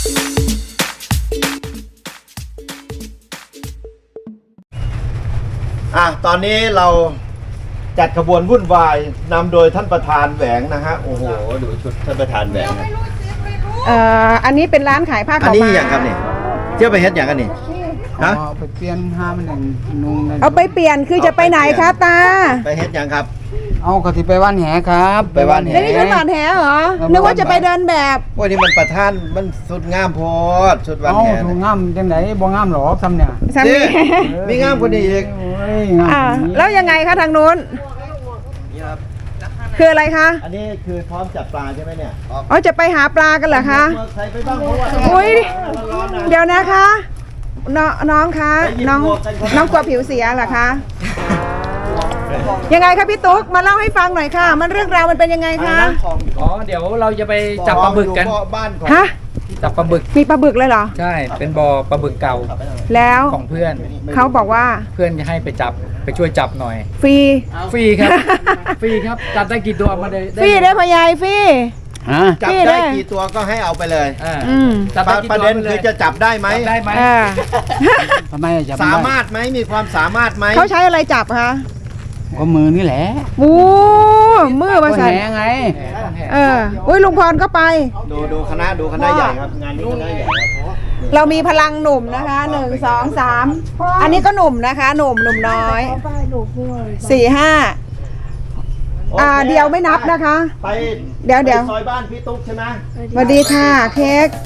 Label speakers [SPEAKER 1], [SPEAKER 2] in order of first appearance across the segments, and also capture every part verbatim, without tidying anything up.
[SPEAKER 1] อ่ะตอนนี้เราจัดขบวนวุ่นวายนำโดยท่านประธานแหวงนะฮะโอ้โหดูชุดท่านประธานแหวงนะ
[SPEAKER 2] เอ่ออันนี้เป็นร้านขายผ้า
[SPEAKER 1] อัน
[SPEAKER 2] ขาว
[SPEAKER 1] นี้
[SPEAKER 2] ม้า
[SPEAKER 1] อย่างครับนี่เที่ยวไปเฮ็ดอย่างกันนี่ฮะ
[SPEAKER 3] เอาไปเปลี่ยนห้ามันหนึ่งนุ่ง
[SPEAKER 2] เอาไปเปลี่ยนคือจะไปไหนคะตา
[SPEAKER 1] ไปเฮ็ดอย่างครับ
[SPEAKER 3] เอากะทิไปว่านแหครับ
[SPEAKER 1] ไปว่านแห
[SPEAKER 2] แล้วนี่ฉันหลอดแหเหรอนึกว่าจะไปเดินแบบ
[SPEAKER 1] โอ้ยนี่มันประธานมันสุดงามโพดสุดวัน
[SPEAKER 3] เอา
[SPEAKER 1] แห
[SPEAKER 3] ถู
[SPEAKER 1] นะ
[SPEAKER 3] งามจังไหนบ่งามหรอซ้ำเนี่ย
[SPEAKER 2] สามี
[SPEAKER 1] มีงามกว่านี้อีก
[SPEAKER 3] โอ้ยงาม
[SPEAKER 2] อ่า
[SPEAKER 3] นี้
[SPEAKER 2] แล้วยังไงคะทางนู้น
[SPEAKER 1] นี่ครับ
[SPEAKER 2] คืออะไรคะ
[SPEAKER 1] อันนี้คือพร้อมจับปลาใช่ไหมเนี่ย
[SPEAKER 2] อ๋อจะไปหาปลากันเหรอคะ
[SPEAKER 1] เมื่อใครไปบ้างเพราะว่า
[SPEAKER 2] อุ้ย
[SPEAKER 1] ร้อนๆนะ
[SPEAKER 2] เดี๋ยวนะคะน้องน้องคะน้องน้องกลัวผิวเสียเหรอคะยังไงคะพี่ตุ๊กมาเล่าให้ฟังหน่อยค่ะ มันเรื่องราวมันเป็นยังไงคะ
[SPEAKER 4] อ๋อเดี๋ยวเราจะไปจับปลาบึกกัน
[SPEAKER 1] บ้านของ
[SPEAKER 2] ฮะ
[SPEAKER 4] จับปลาบึก
[SPEAKER 2] มีปลาบึกเลยเหรอ
[SPEAKER 4] ใช่เป็นบ่อปลาบึกเก่า
[SPEAKER 2] แล้ว
[SPEAKER 4] ของเพื่อน
[SPEAKER 2] เขาบอกว่า
[SPEAKER 4] เพื่อนจะให้ไปจับไปช่วยจับหน่อย
[SPEAKER 2] ฟรี
[SPEAKER 4] ฟรีครับ ฟรีครับจับได้กี่ตัวมาได้
[SPEAKER 2] ฟรีได้พะยายฟรี
[SPEAKER 3] ฮะ
[SPEAKER 1] จับ
[SPEAKER 2] พี่
[SPEAKER 1] ได้
[SPEAKER 2] ได้
[SPEAKER 1] กี่ตัวก็ให้เอาไปเลย
[SPEAKER 4] อ่า
[SPEAKER 2] อืม
[SPEAKER 4] จับ
[SPEAKER 1] ป
[SPEAKER 4] ได้
[SPEAKER 1] ระ
[SPEAKER 4] กี่
[SPEAKER 1] ประ
[SPEAKER 4] ตัว
[SPEAKER 1] เด็น
[SPEAKER 4] ไปเล
[SPEAKER 1] คื
[SPEAKER 4] ย
[SPEAKER 1] อจะจับได้ไหม
[SPEAKER 4] จับได้ไหม
[SPEAKER 2] เออ
[SPEAKER 3] ทำไมจะจับ
[SPEAKER 1] สา
[SPEAKER 3] ได้
[SPEAKER 1] มารถไหมมีความสามารถไหม
[SPEAKER 2] เขาใช้อะไรจับคะ
[SPEAKER 3] ก็มือนี่แหละ
[SPEAKER 2] โอ้มือมา
[SPEAKER 3] ก็
[SPEAKER 2] ใส่
[SPEAKER 3] แหไง
[SPEAKER 2] เอออุ้ยลุงพรก็ไป
[SPEAKER 1] ดูดูคณะดูคณะใหญ่ครับงานนี้คณะใหญ่ครับ
[SPEAKER 2] เรามีพลังหนุ่มนะคะหนึ่งสองสามอันนี้ก็หนุ่มนะคะ หนุ่มหนุ่มน้อยสี่ห้าอ่าเดียวไม่นับนะคะ
[SPEAKER 1] ไป
[SPEAKER 2] เดี๋ยวเดี๋ยว
[SPEAKER 1] ไปซอยบ้านพี่ตุ๊กใช่ไหม
[SPEAKER 2] สวัสดีค่ะเค้ก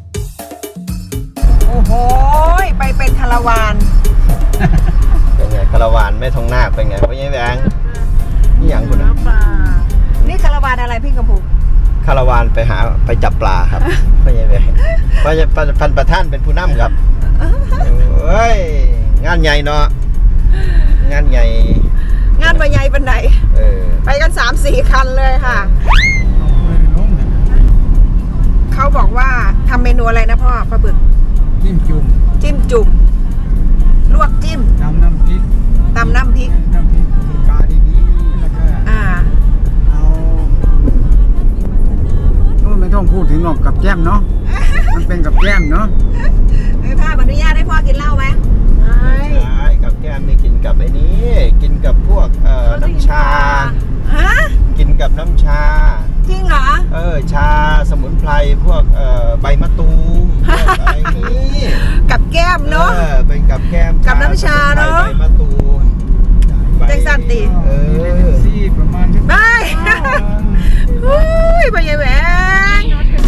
[SPEAKER 2] โอ้โหไปเป็นคาราวาน
[SPEAKER 1] เป็นไงคาราวานไม่ทองนาคเป็นไงเพราะยังแบงนี่อย่างคุณนะ
[SPEAKER 2] นี่คาราวานอะไรพี่กระปุก
[SPEAKER 1] คาราวานไปหาไปจับปลาครับเพราะยังแบงเพราะจะพันประท่านเป็นผู้นำครับเฮ้ยงานใหญ่เนาะงานใหญ่
[SPEAKER 2] งานใบใหญ่เป็นไหน
[SPEAKER 1] เออ
[SPEAKER 2] ไปกันสามสี่คันเลยค่ะ เขาบอกว่าทำเมนูอะไรนะพ่อปลาบึก
[SPEAKER 3] จิ้มจุ่ม
[SPEAKER 2] จิ้มจุ่มลวกจิ้ม
[SPEAKER 3] น้ำน้ำพริก
[SPEAKER 2] ตำน้ำพริก
[SPEAKER 3] น้ำพริกปลาดีๆแล้วก็
[SPEAKER 2] อ่า
[SPEAKER 3] เอาโอ้ไม่ต้องพูดถึงหรอกกับแก้มเนาะมันเป็นกับแก้มเนาะ
[SPEAKER 2] ไม่พ่ออนุญาตให้พ่อกินเหล้าไหมไม่
[SPEAKER 1] ใช่กับแก้มนี่กินกับไอ้นี้กินกับพวกเอ่อน้ำชา
[SPEAKER 2] ฮะ
[SPEAKER 1] กินกับน้ำชา
[SPEAKER 2] จริงเหรอ
[SPEAKER 1] เออชาสมุนไพรพวกเอ่อใบมะตูมพวกอะไรนี้
[SPEAKER 2] กับแก้มเนาะ
[SPEAKER 1] ออเป็นกับแก้ม
[SPEAKER 2] กับน้ำชาเนอะ
[SPEAKER 1] ใบมะตูมใบ
[SPEAKER 2] แจ็คสันติ
[SPEAKER 1] เออ
[SPEAKER 3] ซี่ประมาณนี้
[SPEAKER 2] ได้อุ้ยไปยังแหวง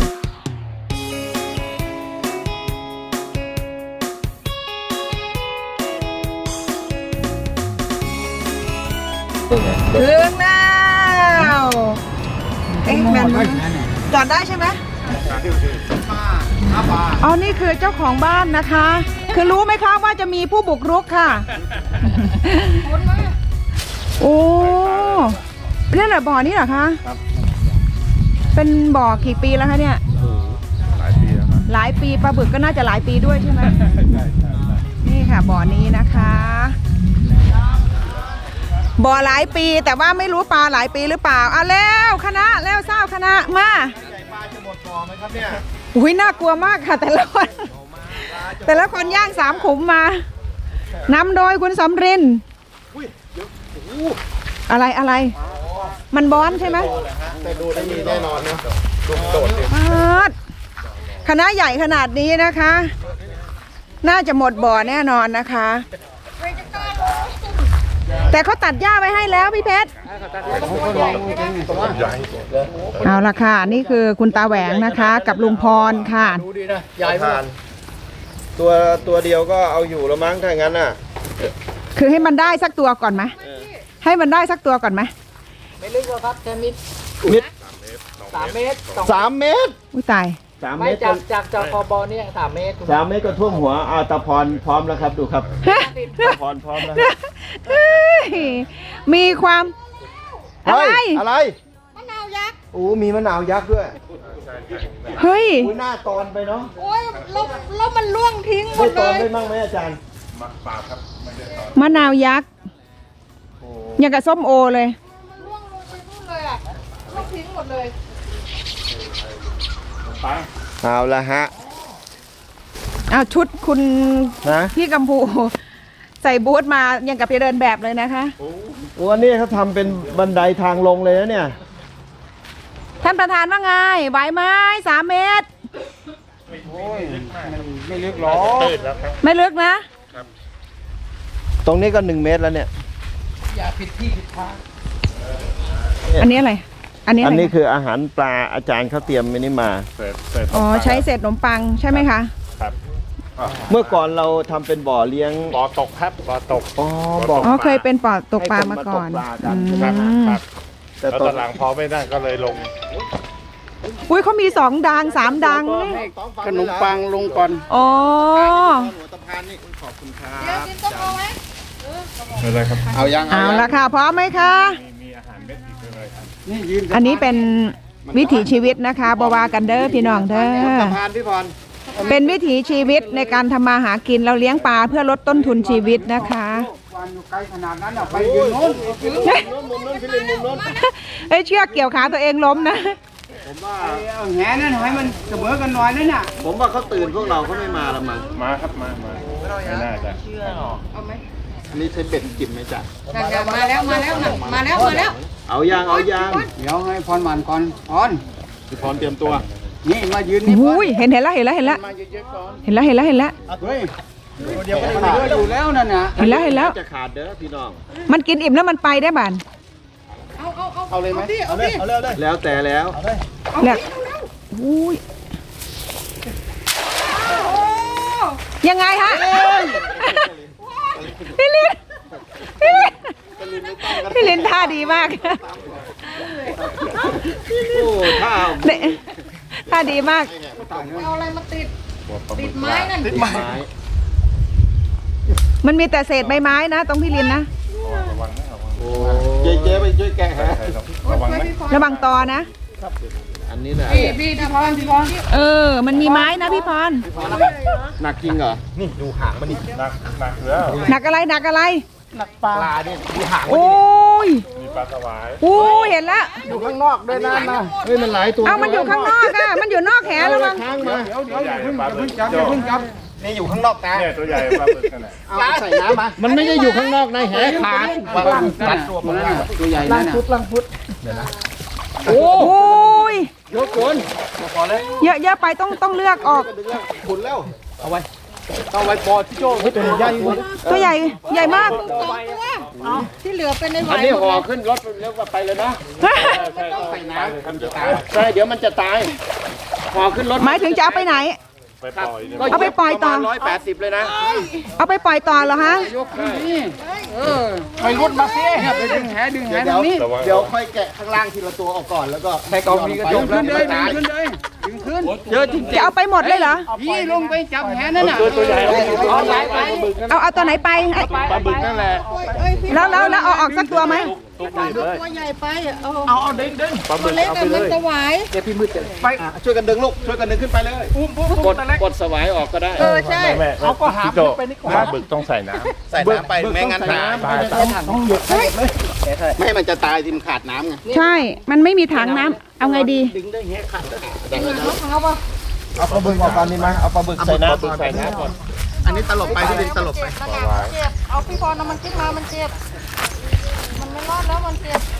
[SPEAKER 2] ถึงแล้วเอ๊ะแมนจอดได้ใช่ไหมอ๋อนี่คือเจ้าของบ้านนะคะ คือรู้ไหมคะว่าจะมีผู้บุกรุกค่ะโอ้นี่แหละบ่อนี่เหรอคะเป็นบ่อกี่ปีแล้วคะเนี่ยหลายปีแล้วครับหลายปีปลาบึกก็น่าจะหลายปีด้วยใช่ไหมนี่ค่ะบ่อนี้นะคะบ่อหลายปีแต่ว่าไม่รู้ปลาหลายปีหรือเปล่าเอาแล้วคณะแล้วเศร้าคณะมา
[SPEAKER 1] ใหญ่ปลาจะหมดบ่อไหมครับเนี่ย
[SPEAKER 2] อุ้ยน่ากลัวมากค่ะ แต่ละคน แต่ละคนย่างสามขุมมานำโดยคุณสำรินอะไรอะไร มันบอนใช่ไหม
[SPEAKER 1] แต่ดูได้มีแน่นอนนะดูโดดดิ
[SPEAKER 2] คณะใหญ่ขนาดนี้นะคะ น่าจะหมดบ่อแน่นอนนะคะ แต่เขาตัดหญ้าไว้ให้แล้วพี่เพชรเอาละค่ะนี่คือคุณตาแหวงนะคะ กับลุงพรค่ะ
[SPEAKER 4] ดูดีนะยาย
[SPEAKER 1] ทานตัวตัวเดียวก็เอาอยู่แล้วมั้งถ้างั้นน่ะ
[SPEAKER 2] คือให้มันได้สักตัวก่อนไหมให้มันได้สักตัวก่อนไหม
[SPEAKER 4] ไม่ลึกหรอกครับแค่มิด
[SPEAKER 1] มิด
[SPEAKER 4] สามเมตรสอง
[SPEAKER 1] สามเมตร
[SPEAKER 2] อุ้ยตาย
[SPEAKER 1] สามเม
[SPEAKER 4] ไม่
[SPEAKER 1] ตร
[SPEAKER 4] จากจากจากคอบอเนี่ยสามเมตร
[SPEAKER 1] สามเมตรก็ท่วมหัวอาตาพรพร้อมแล้วครับดูครับตาพรพร้อมแล้ว
[SPEAKER 2] เฮ้ยมีความอะไร
[SPEAKER 1] เฮ้ยอะไรมะนาวยักษ์โอ้มีมะนาวยักษ์ด้วย
[SPEAKER 2] เฮ้ย
[SPEAKER 1] อุ้ยหน้าตอนไปเนาะ
[SPEAKER 2] โอ้ยแล้วแล้วมันล่วงทิ้งหม
[SPEAKER 1] ไม่
[SPEAKER 2] ด
[SPEAKER 1] ต
[SPEAKER 2] เล
[SPEAKER 1] อน
[SPEAKER 2] ย
[SPEAKER 1] ได้มั่งไหมอาจารย์
[SPEAKER 2] มะนาวยักษ์
[SPEAKER 1] โอ้
[SPEAKER 2] อย่างกับส้มโอเลย
[SPEAKER 1] เอาละฮะ
[SPEAKER 2] เอาชุดคุณ
[SPEAKER 1] นะ
[SPEAKER 2] พี่กัมพู ใส่บูทมายังกับไปเดินแบบเลยนะคะ
[SPEAKER 1] วันนี้เขาทำเป็นบันไดทางลงเลยนะเนี่ย
[SPEAKER 2] ท่านประธานว่าไงไหวไหมสามเมตร
[SPEAKER 3] โอ้ยมันไม่ลึกหรอก
[SPEAKER 2] ไม่ลึกนะ
[SPEAKER 1] ตรงนี้ก็หนึ่งเมตรแล้วเนี่ย
[SPEAKER 4] อย่าผิดที่ผิดทาง
[SPEAKER 2] อันนี้อะไร อันนี้
[SPEAKER 1] อั
[SPEAKER 2] อะ
[SPEAKER 1] น
[SPEAKER 2] ไร
[SPEAKER 1] นี้คืออาหารปลาอาจารย์เขาเตรียมไว้นี่มา
[SPEAKER 2] อ๋อใช้เศษขนมปังใช่ไหมคะ
[SPEAKER 1] เมื่อก่อนเราทำเป็นบ่อเลี้ยง
[SPEAKER 5] บ่อตกครับบ่อตก
[SPEAKER 1] อ๋อบ่อ
[SPEAKER 2] อ๋อเคยเป็นปอดตกปลา
[SPEAKER 1] ให้คน
[SPEAKER 2] มา
[SPEAKER 1] มา
[SPEAKER 2] ก่อน
[SPEAKER 1] ตกปลากัน
[SPEAKER 2] อื
[SPEAKER 5] ครับ
[SPEAKER 2] ม
[SPEAKER 5] ครับ
[SPEAKER 1] แต่
[SPEAKER 5] แล้ว
[SPEAKER 1] ต
[SPEAKER 5] ต
[SPEAKER 1] อ
[SPEAKER 5] อน นหลังพอไม่ได้ก็เลยลง
[SPEAKER 2] อุ้ยเขามีสองดังสามดังนี่
[SPEAKER 3] ขนมปังลงก่อน
[SPEAKER 2] อ๋อ
[SPEAKER 1] หัวตะพานนี่ขอบคุณครับ
[SPEAKER 5] ไม่เลยครับ
[SPEAKER 3] เอายัง
[SPEAKER 2] เอาละค่ะพร้อมไหมคะ
[SPEAKER 5] มีมีอาหารเม็ดอีกเลยครับ
[SPEAKER 3] นี่ยืน
[SPEAKER 2] อันนี้เป็นวิถีชีวิตนะคะบวากันเด้อพี่น้องเด้อ
[SPEAKER 1] สะพานพี่พร
[SPEAKER 2] เป็นวิถีชีวิตในการทำมาหากินเราเลี้ยงปลาเพื่อลดต้นทุนชีวิตนะคะ
[SPEAKER 3] วันอยู่ไกลขนาดนั้นอ่ะไปยืนโน้น
[SPEAKER 1] มุมนู้นพี่ลินมุมนู้น
[SPEAKER 2] เอ้ยเชือกเกี่ยวขาตัวเองล้มนะ
[SPEAKER 1] ผมว่า
[SPEAKER 3] เอาแหนั่นให้มันเสมอกันหน่อยนั่นน่ะ
[SPEAKER 1] ผมว่าเขาตื่นพวกเราเขาไม่มาละมั้ง
[SPEAKER 5] มาครับมามาไม่น่าจะ
[SPEAKER 1] อันนี้ใช้เป็ดกินไหมจ๊ะ
[SPEAKER 2] มาแล้วมาแล้วมาแล้วมาแล้ว
[SPEAKER 1] เอายางเอายาง
[SPEAKER 3] เดี๋ยวให้พรหมันก่อนพร
[SPEAKER 1] พี่พรเตรียมตัว
[SPEAKER 3] นี่มายืนนี่พร
[SPEAKER 2] อุ้ยเห็นเห็นแล้วเห็นแล้วเห็นแล้ว
[SPEAKER 3] มาเยอะๆก่อน
[SPEAKER 2] เห็นแล้วเห็นแล้วเห็นแล้ว
[SPEAKER 3] เฮ้ยเดี๋ยวก็ได้เหลืออยู่แล้วนั่นน่ะ
[SPEAKER 2] เห็นแล้วเห็นแล้ว
[SPEAKER 1] จะขาดเด้อพี่น้อง
[SPEAKER 2] มันกินอิ่มแล้วมันไปได้บ้าน
[SPEAKER 3] เอาเลยไหม
[SPEAKER 1] เอาเลยเอาเลยแล้วแต่แล้ว
[SPEAKER 2] เนี่ยอุ้ยยังไงฮะพี่ลินพี่ลินพี่ลินท่าดีมาก
[SPEAKER 1] โอ้ถ้า
[SPEAKER 2] เนี่ยท่าดีมาก
[SPEAKER 6] เอาอะไรมาติด ติดไม้นั่น
[SPEAKER 1] ติดไม้
[SPEAKER 2] มันมีแต่เศษใบไม้นะตรงพี่ลินนะ
[SPEAKER 5] ระวังนะระวัง
[SPEAKER 1] โอ้เจ๊เจ๊ไปช่วยแกะฮะ
[SPEAKER 5] ใช่ครับระวังนะ
[SPEAKER 2] ระวังตอนะ
[SPEAKER 1] อันนี้แหละ
[SPEAKER 6] พี่พี่พี่พรพี่พร
[SPEAKER 2] เออ มันมีไม้นะพี่พร
[SPEAKER 1] หนักจริงเหรอ
[SPEAKER 5] นี่ดูหางมันนี่หนักหนักแล้ว
[SPEAKER 2] หนักอะไรหนักอะไร
[SPEAKER 1] ปลาเนี่ยดูหาง
[SPEAKER 2] โอ้ย
[SPEAKER 5] มีปลาสวาย
[SPEAKER 2] โอ้ยเห็นแล้ว
[SPEAKER 1] อยู่ข้างนอกด้วยนะนะเฮ้ยมันหลายตัว
[SPEAKER 2] เอามันอยู่ข้างนอกอะมันอยู่นอกแหระวัง
[SPEAKER 1] ข้างมา
[SPEAKER 3] เดี๋ยวเดี๋ยวอย่าเพิ่งอย่าเพิ่งจับอย่าเพิ่งจับ
[SPEAKER 1] นี่อยู่ข้างนอกตา
[SPEAKER 5] เนี่ยตัวใหญ่ปลาบึกนั่นแหละ
[SPEAKER 1] เอาใส่น้ำมามันไม่ได้อยู่ข้างนอกในแหขาด
[SPEAKER 3] ตัดตัวมันน่ะตัวใหญ่นั่นน่ะ
[SPEAKER 2] โอ้ย
[SPEAKER 1] ยกคน
[SPEAKER 2] เยอะเยอะไปต้องต้องเลือกออก
[SPEAKER 1] ขุนแล้ว
[SPEAKER 3] เอาไว้ปอที่โจ้ให้ตัวใหญ่
[SPEAKER 2] ตัวใหญ่ใหญ่มาก
[SPEAKER 6] สองตัวที่เหลือเป็นในไหว
[SPEAKER 3] อันนี้
[SPEAKER 6] หม
[SPEAKER 3] ห่อ
[SPEAKER 6] ด
[SPEAKER 3] ขึ้นรถแล้วก็ไปเลยนะ
[SPEAKER 5] ใช่ใส่น้ำครับจะตาย
[SPEAKER 3] ใช่เดี๋ยวมันจะตายห่อขึ้นรถ
[SPEAKER 2] หมายถึงจะเอาไปไหน
[SPEAKER 5] ไปปล่อยเนี่ย
[SPEAKER 2] เอาไปปล่อยต่อ
[SPEAKER 3] ร้อยแปดสิบเลยนะ
[SPEAKER 2] เอาไปปล่อยต่อเหรอฮะ
[SPEAKER 3] ยกขึ้นนี่เออไปรุดมาสิเนี่ยไปดึงแหดึงแหตรงนี้
[SPEAKER 5] ระวัง
[SPEAKER 1] เดี๋ยวค่อยแกะข้างล่างทีละตัวออกก่อนแล้วก็
[SPEAKER 3] ใส่กล่องนี้ก็ดึงขึ้นเลยดึงขึ้นเลยดึงขึ้นเยอะจริง
[SPEAKER 2] จะเอาไปหมดเลยเหรอ
[SPEAKER 3] พี่ลงไปจับแหนั่นน่ะ
[SPEAKER 5] ตัวตัวใหญ่เอา
[SPEAKER 3] เอาไหลไป
[SPEAKER 2] เอาเอาตัวไหนไป
[SPEAKER 5] ปลาบึกนั่นแหละ
[SPEAKER 6] เอ้ยพี่
[SPEAKER 2] แล้วแล้วแล้วเอาออกสักตัวไหม
[SPEAKER 5] ตุกนี่เลย
[SPEAKER 6] ตัวใหญ่ไปเอา
[SPEAKER 3] เอาเอาดึงดึง
[SPEAKER 5] ปลา
[SPEAKER 6] ตั
[SPEAKER 5] บึ
[SPEAKER 6] ว
[SPEAKER 5] ก
[SPEAKER 6] เล็ก
[SPEAKER 5] เอา
[SPEAKER 6] อะ
[SPEAKER 5] ไปเล
[SPEAKER 6] มัน
[SPEAKER 5] ย
[SPEAKER 6] จะไหว
[SPEAKER 1] อ่ะช่วยกันดึงลูกช่วยกันดึงขึ้นไปเลย
[SPEAKER 3] กดกดสวายออกก็ได้
[SPEAKER 6] เออใช่
[SPEAKER 5] แม่เขาก็หาไปนี่ปลาบึกต้องใส่น้ำ
[SPEAKER 1] ใส่น้ำไปไม่งั้นตาย
[SPEAKER 5] ตายตาย
[SPEAKER 1] ไม่ให้มันจะตายที่มันขาดน้ำไง
[SPEAKER 2] ใช่ มันไม่มีถังน้ำเอาไงดี
[SPEAKER 1] ดึงได้แหขาด
[SPEAKER 6] เอาปะ
[SPEAKER 1] เอาปลาบึกออกก่อนดีไหมเอาปลาบึกใส่น้ำ
[SPEAKER 5] ใส่น้ำก่อน
[SPEAKER 1] อันนี้ตลบไปที่ดินตลบไป
[SPEAKER 6] เจ็บนะเนี่ยมันเจ็บ เอาพี่พรเอามันขึ้นมา มันเจ็บ มันไม่รอดแล้วมันเจ็บ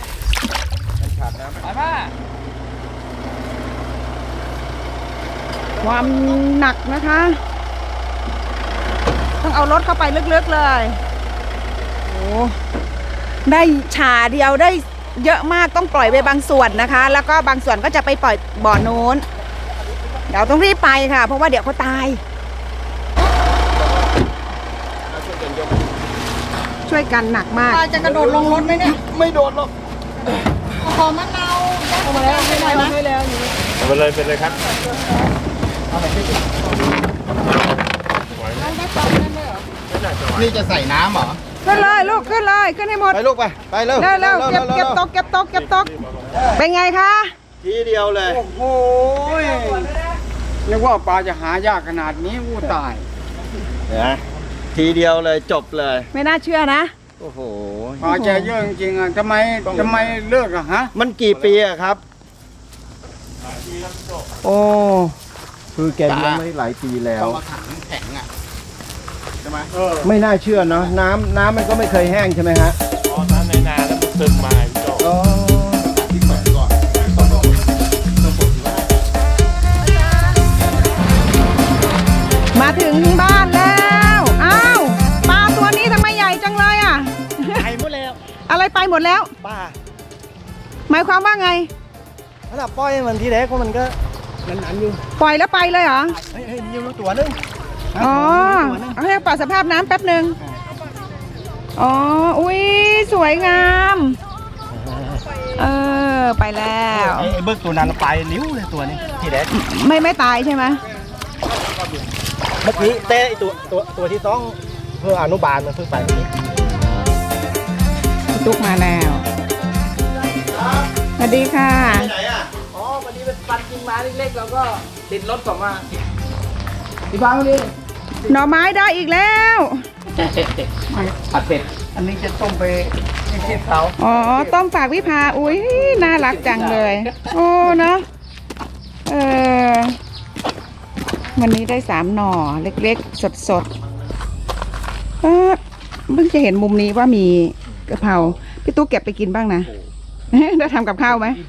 [SPEAKER 2] ความหนักนะคะ ต้องเอารถเข้าไปลึกๆเลยโอ้ได้ฉาเดียวได้เยอะมากต้องปล่อยไปบางส่วนนะคะ แล้วก็บางส่วนก็จะไปปล่อยบ่อโน้น เดี๋ยวต้องรีบไปค่ะ เพราะว่าเดี๋ยวเขาตาย ช่วยกันหนักมาก
[SPEAKER 6] ปลาจะกระโดดลงรถไหมเนี่ย
[SPEAKER 1] ไม่โดนหรอก
[SPEAKER 6] ขอมะนาวยัดเข้ามาแล้วให้หน่อยนะ
[SPEAKER 5] เอาไปเลยเป็นเลยครับ
[SPEAKER 6] เอาได้ปลาได้ไหมเหรอ
[SPEAKER 1] นี่จะใส่น้ำเหรอ
[SPEAKER 2] ขึ้นเลยลูกขึ้นเลยขึ้นให้หมด
[SPEAKER 1] ไปลูกไปไปเร็ว
[SPEAKER 2] เร็วเร็วเก็บเก็บตกเก็บตกเก็บตกเป็นไงคะ
[SPEAKER 1] ทีเดียวเลย
[SPEAKER 3] โอ้โหนึกว่าปลาจะหายากขนาดนี้อู้ตาย
[SPEAKER 1] นะทีเดียวเลยจบเลย
[SPEAKER 2] ไม่น่าเชื่อนะ
[SPEAKER 1] โอ้โห
[SPEAKER 3] ปลาจะเยอะจริงๆอ่ะทำไมทำไมเลิกอะฮะ
[SPEAKER 1] มันกี่ปีอะครับ
[SPEAKER 3] โอ้
[SPEAKER 1] คือแกเลี้ยงไว้หลายปีแล้ว
[SPEAKER 4] ต้องเอาถังแข็งอ่ะใช่ไหม
[SPEAKER 1] ไม่น่าเชื่อเนาะน้ำน้ำมันก็ไม่เคยแห้งใช่ไหมฮะ
[SPEAKER 5] อ๋อน้ำในนาแล้วมันซึมมาพี่โจ
[SPEAKER 1] อ๋อ
[SPEAKER 4] ที่แขวนก่อนต้องต้องต้องปลดที่ว่า
[SPEAKER 2] มาถึงบ้านแล้วอ้าวปลาตัวนี้ทำไมใหญ่จังเลยอ่ะ
[SPEAKER 4] ไปหมดแล้ว
[SPEAKER 2] อะไรไปหมดแล้ว
[SPEAKER 4] ป้า
[SPEAKER 2] หมายความว่าไง
[SPEAKER 4] ถ้าปล่อยมันทีแรกก็มันก็นันๆอยู่
[SPEAKER 2] ปล่อยแล้วไปเลยเหรอ
[SPEAKER 4] เฮ้ยเฮ้ยมีอยู่ตัวนึง
[SPEAKER 2] อ๋อเอาให้ปรับสภาพน้ำแป๊บหนึ่งอ๋อ อุ้ยสวยงาม เออ ไปแล้ว
[SPEAKER 4] ไอ้เบิกตัวนั้นไปลิ้วเลยตัวนี้ทีแรก
[SPEAKER 2] ไม่ไม่ตายใช่ไหม
[SPEAKER 4] เมื่อกี้เต้ไอ้ตัวตัวตัวที่ต้องเพื่ออนุบาลมันเพิ่งไปเมื่อกี้
[SPEAKER 2] ตุ๊กมาแล้วสวัสดีค่ะ
[SPEAKER 1] ไปไหนอ่ะ
[SPEAKER 4] อ๋อวันนี้เป็นปันกิ่งไม้เล็กๆแล้วก็ติดรถกลับมาพี่บังดิ
[SPEAKER 2] หน่อไม้ได้อีกแล้ว
[SPEAKER 4] ผัดเป็ดอันนี้จะต้มไปให้เชฟเขา
[SPEAKER 2] อ๋อ ต้มฝากวิภา อุ้ยน่ารักจังเลย โอ้เนาะเออ วันนี้ได้สามหน่อเล็กๆ สดๆเออเพิ่งจะเห็นมุมนี้ว่ามีกะเพราพี่ตู้เก็บไปกินบ้างนะ ได้ทำกับข้าวไหม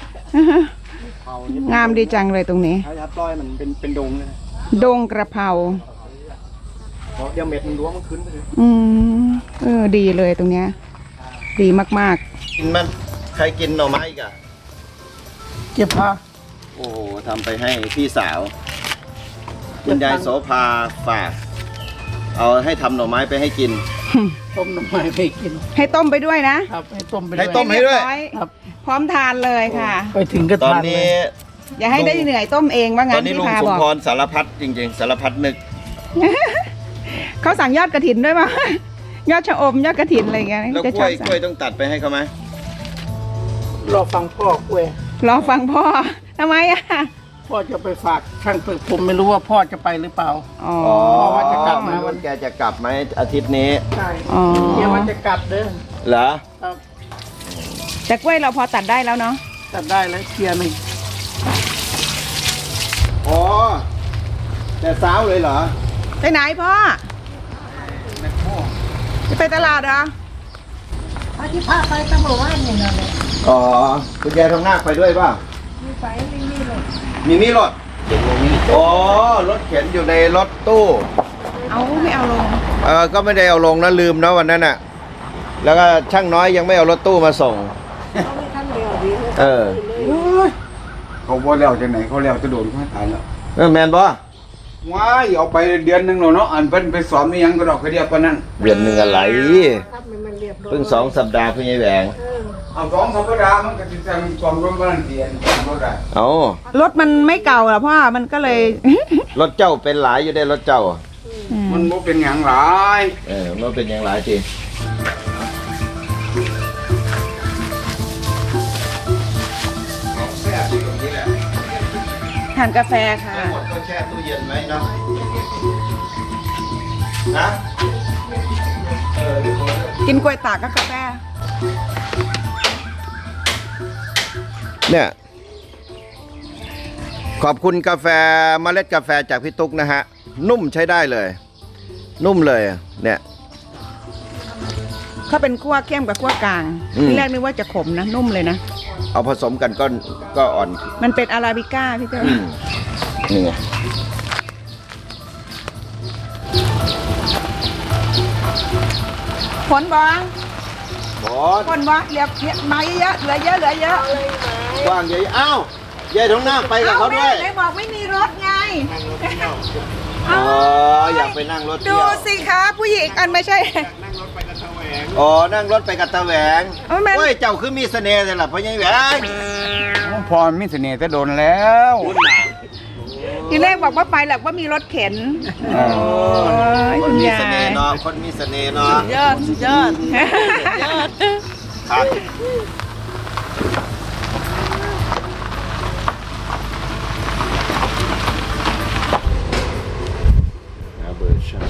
[SPEAKER 2] งามดีจังเลยตรงนี้
[SPEAKER 4] ถ้าจะปล่อยมันเป็นเป็นดงเลยนะ
[SPEAKER 2] ดงกระเพรา
[SPEAKER 4] เพราะเดี๋ยวเม็ดมันรั้วมันขึ้นไปเลย
[SPEAKER 2] อืมเออดีเลยตรงเนี้ย ดีมาก
[SPEAKER 1] กินมันใครกินหน่อไม้อีกอ่ะ
[SPEAKER 4] เก็บผ้า
[SPEAKER 1] โอ้โหทำไปให้พี่สาวคุณยายโสภาฝากเอาให้ทำหน่อไม้ไปให้กิน
[SPEAKER 4] ต้มน้ำไม้ไปกิน
[SPEAKER 2] ๆ ให้ต้มไปด้วยนะครับ
[SPEAKER 4] ให้ต้มไป
[SPEAKER 1] ให้
[SPEAKER 4] ด้วย
[SPEAKER 1] ต้มให้ด้วย
[SPEAKER 2] เรีบร้อ
[SPEAKER 4] ครับ
[SPEAKER 2] พร้อมทานเลยค่ะ
[SPEAKER 4] ไปถึงก็
[SPEAKER 1] ตอน
[SPEAKER 4] ทานเล
[SPEAKER 1] นี้
[SPEAKER 4] ย
[SPEAKER 2] อย่าให้ได้เหนื่อยต้มเองว่า
[SPEAKER 1] ต
[SPEAKER 2] งั้
[SPEAKER 1] อน
[SPEAKER 2] น
[SPEAKER 1] นี้
[SPEAKER 2] พี่
[SPEAKER 1] ลุง
[SPEAKER 2] พา
[SPEAKER 1] สม
[SPEAKER 2] บอก
[SPEAKER 1] พรสารพัดจริงๆ สารพัดนึก
[SPEAKER 2] เขาสั่งยอดกระถินด้วยมั้ย ยอดชะอมยอดกระถินอะไรอย่างเงี้ย
[SPEAKER 1] แล้ว
[SPEAKER 2] จะ
[SPEAKER 1] ก
[SPEAKER 2] ช
[SPEAKER 1] ล้
[SPEAKER 2] อ
[SPEAKER 1] ว
[SPEAKER 2] บ
[SPEAKER 1] ย
[SPEAKER 2] สั่
[SPEAKER 1] กล้วยต้องตัดไปให้เขาไหม
[SPEAKER 4] รอฟังพ่อเว้ย
[SPEAKER 2] รอฟังพ่อทำไมอ่ะ
[SPEAKER 4] พ่อจะไปฝากช่างฝึกผมไม่รู้ว่าพ่อจะไปหรือเปล่า
[SPEAKER 2] อ๋อ
[SPEAKER 4] พ่อว่าจะกลับ
[SPEAKER 1] ไม่ว่าแกจะกลับไหมอาทิตย์นี้
[SPEAKER 4] ใช่
[SPEAKER 2] อ๋อ
[SPEAKER 4] เดี๋ยวว่าจะกลับเด้อ
[SPEAKER 1] เหรอ
[SPEAKER 4] ครับ
[SPEAKER 2] แต่กล้วยเราพอตัดได้แล้วเนาะ
[SPEAKER 4] ตัดได้แล้วเคลียร์หนึ่ง
[SPEAKER 1] อ๋อแต่สาวเลยเหรอ
[SPEAKER 2] ไปไหนพ่อจะไปตลาดเหรอ
[SPEAKER 6] ที่พาไปตำรวจว่าเนี่ยนะเลย
[SPEAKER 1] อ๋อคุณยายทองนาคไปด้วยป่ะ
[SPEAKER 6] มีไฟไม่มีเลย
[SPEAKER 1] มีมีรถอ๋อรถเข็นอยู่ในรถตู้
[SPEAKER 2] เอาไม่เอาลง
[SPEAKER 1] เออก็ไม่ได้เอาลงนะลืมนะวันนั้นน่ะ แล้วก็ช่างน้อยยังไม่เอารถตู้มาส่ง
[SPEAKER 6] เขาไม่ทันเดียวดีเลย
[SPEAKER 1] เออ
[SPEAKER 3] เขาบ่แล้วจังไหนเขาแล้วจะโดนเขาตายแล้ว
[SPEAKER 1] เออแมนบ่
[SPEAKER 3] ว้ายเอาไปเดือนหนึงแล้วเนาะอันเพิ่นไปสอนมีหยังก็ดอกกระเดียบปานนั้น
[SPEAKER 1] เดือนหนึ่งอะไร
[SPEAKER 6] ครับมันมันเรียบร้อย
[SPEAKER 1] เพิ่งสองสัปดาห์เพิ่งยายแหวง
[SPEAKER 6] เออ
[SPEAKER 3] เอาสองสัปดาห์มันก็สิจังความร่วมกันเดียนความบ่ได้
[SPEAKER 1] เอา
[SPEAKER 2] รถมันไม่เก่าหรอพ่อมันก็เลย
[SPEAKER 1] รถเจ้าเป็นหลายอยู่ได้รถเจ้า
[SPEAKER 3] มันบ่เป็นหยังหลาย
[SPEAKER 1] เออมันเป็นอย่างหลายทีแช่ตู้ตรงนี้แหละ
[SPEAKER 2] ทานกาแฟค่ะ
[SPEAKER 1] ทั้งหมดก็แช่ตู้เย็นไว้เนาะนะเออเดี๋ยวผม
[SPEAKER 2] กินกล้วยตากกับกาแฟ
[SPEAKER 1] เนี่ย ขอบคุณกาแฟเมล็ดกาแฟจากพี่ตุ๊กนะฮะ นุ่มใช้ได้เลย นุ่มเลยเนี่ย
[SPEAKER 2] เขาเป็นคั่วเข้มกับคั่วกลาง
[SPEAKER 1] อืม
[SPEAKER 2] ที่แรกนึกว่าจะขมนะ นุ่มเลยนะ
[SPEAKER 1] เอาผสมกันก็ก็อ่อน
[SPEAKER 2] มันเป็นอาราบิก้าพี่เจ้า
[SPEAKER 1] อืมนี่ไง
[SPEAKER 2] ผลบอ
[SPEAKER 1] บอส
[SPEAKER 2] ผลบอเหลือมาเยอะๆเหลือเยอะเหลือเยอะ
[SPEAKER 1] กว้างใหญ่อ้าวยายทองนาคไปกับเขาด้วย
[SPEAKER 2] ไหนบอกไม่มีรถไง
[SPEAKER 1] อ๋ออยากไปนั่งรถ
[SPEAKER 2] ดู
[SPEAKER 1] เที่ยว
[SPEAKER 2] สิคะผู้หญิงอันไม่ใช่
[SPEAKER 1] อ๋อนั่งรถไปกับตาแหวง
[SPEAKER 2] เอาแม่น
[SPEAKER 1] โอ้ยเจ้าคือมีเสน่ห์เลยล่ะพ่อใหญ่แหวง
[SPEAKER 3] พรมีเสน่ห์แต่โดนแล้ว
[SPEAKER 2] ทีแรกบอกว่าไปแหละว่ามีรถเข็น
[SPEAKER 3] เออ
[SPEAKER 2] โอ้ย
[SPEAKER 1] ค
[SPEAKER 2] คุ
[SPEAKER 1] น
[SPEAKER 2] ณ
[SPEAKER 1] มี
[SPEAKER 2] ยา
[SPEAKER 1] เสน่
[SPEAKER 2] ย
[SPEAKER 1] ห์เนาะคนมีเสน่ห์เนาะ
[SPEAKER 6] ยอดยอดยอด
[SPEAKER 1] ครับเบอร์ชา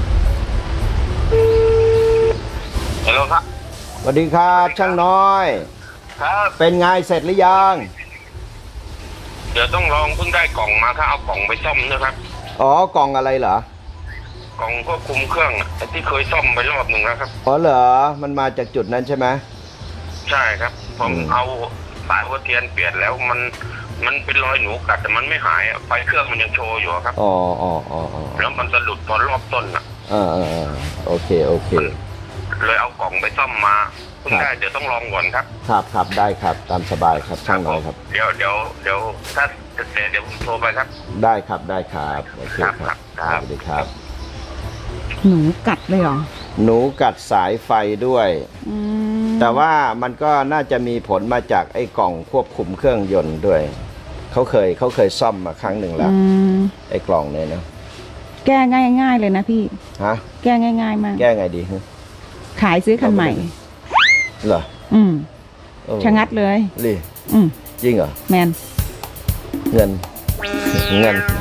[SPEAKER 5] ฮัลโหลครับ
[SPEAKER 1] สวัสดีครับช่างน้อย
[SPEAKER 5] ครับ
[SPEAKER 1] เป็นไงเสร็จหรือยัง
[SPEAKER 5] ยดี๋ยวต้องลองเพิ่งได้กล่องมาถ้าเอากล่องไปซ่อมนะครับ
[SPEAKER 1] อ๋อกล่องอะไรเหรอก
[SPEAKER 5] ล่องควบคุมเครื่องอะที่เคยซ่อมไปรอบหนึ่งแล้วครับ
[SPEAKER 1] อ๋อเหรอมันมาจากจุดนั้นใช่ไหม
[SPEAKER 5] ใช่ครับผม
[SPEAKER 1] อืม
[SPEAKER 5] เอาสายหัวเทียนเปลี่ยนแล้วมันมันเป็นรอยหนูกัดแต่มันไม่หายอะไฟเครื่องมันยังโชว์อยู่อะครับ
[SPEAKER 1] อ๋ออ๋ออ๋ออ๋อ
[SPEAKER 5] แล้วมันสะดุดตอนรอบต้นอ่ะ
[SPEAKER 1] อ่าอ่าอ่าโอเคโอเค
[SPEAKER 5] เลยเอากล่องไปซ่อมมาเพิ่ง
[SPEAKER 1] ครับ
[SPEAKER 5] ได้เดี๋ยวต้องลองก่อนครับ
[SPEAKER 1] ครับครับได้ครับตามสบายครับช่างน้อยครับ
[SPEAKER 5] เดี๋ยวเดี๋ยวเดี๋ยวถ้าจะเสร็จเดี๋ยวผมโทรไปครับ
[SPEAKER 1] ได้ครับได้ครับโอเคครับ
[SPEAKER 5] ครับครับ
[SPEAKER 1] สวัสดีครับ
[SPEAKER 2] หนูกัดเลยเหรอ
[SPEAKER 1] หนูกัดสายไฟด้วย
[SPEAKER 2] อืม
[SPEAKER 1] แต่ว่ามันก็น่าจะมีผลมาจากไอ้กล่องควบคุมเครื่องยนต์ด้วยเขาเคยเขาเคยซ่อมมาครั้งหนึ่งแล้ว
[SPEAKER 2] อืม
[SPEAKER 1] ไอ้กล่องเนี่ยนะ
[SPEAKER 2] แก้ง่ายๆเลยนะพี่
[SPEAKER 1] ฮะ
[SPEAKER 2] แก้ง่ายๆมาก
[SPEAKER 1] แก้ไงดีฮะ
[SPEAKER 2] ขายซื้อคันใหม่
[SPEAKER 1] เหรอ
[SPEAKER 2] อืม
[SPEAKER 1] โอ้
[SPEAKER 2] ชะงัดเลย
[SPEAKER 1] รี
[SPEAKER 2] อืม
[SPEAKER 1] จริงเหรอ
[SPEAKER 2] แมน
[SPEAKER 1] เงินเงิน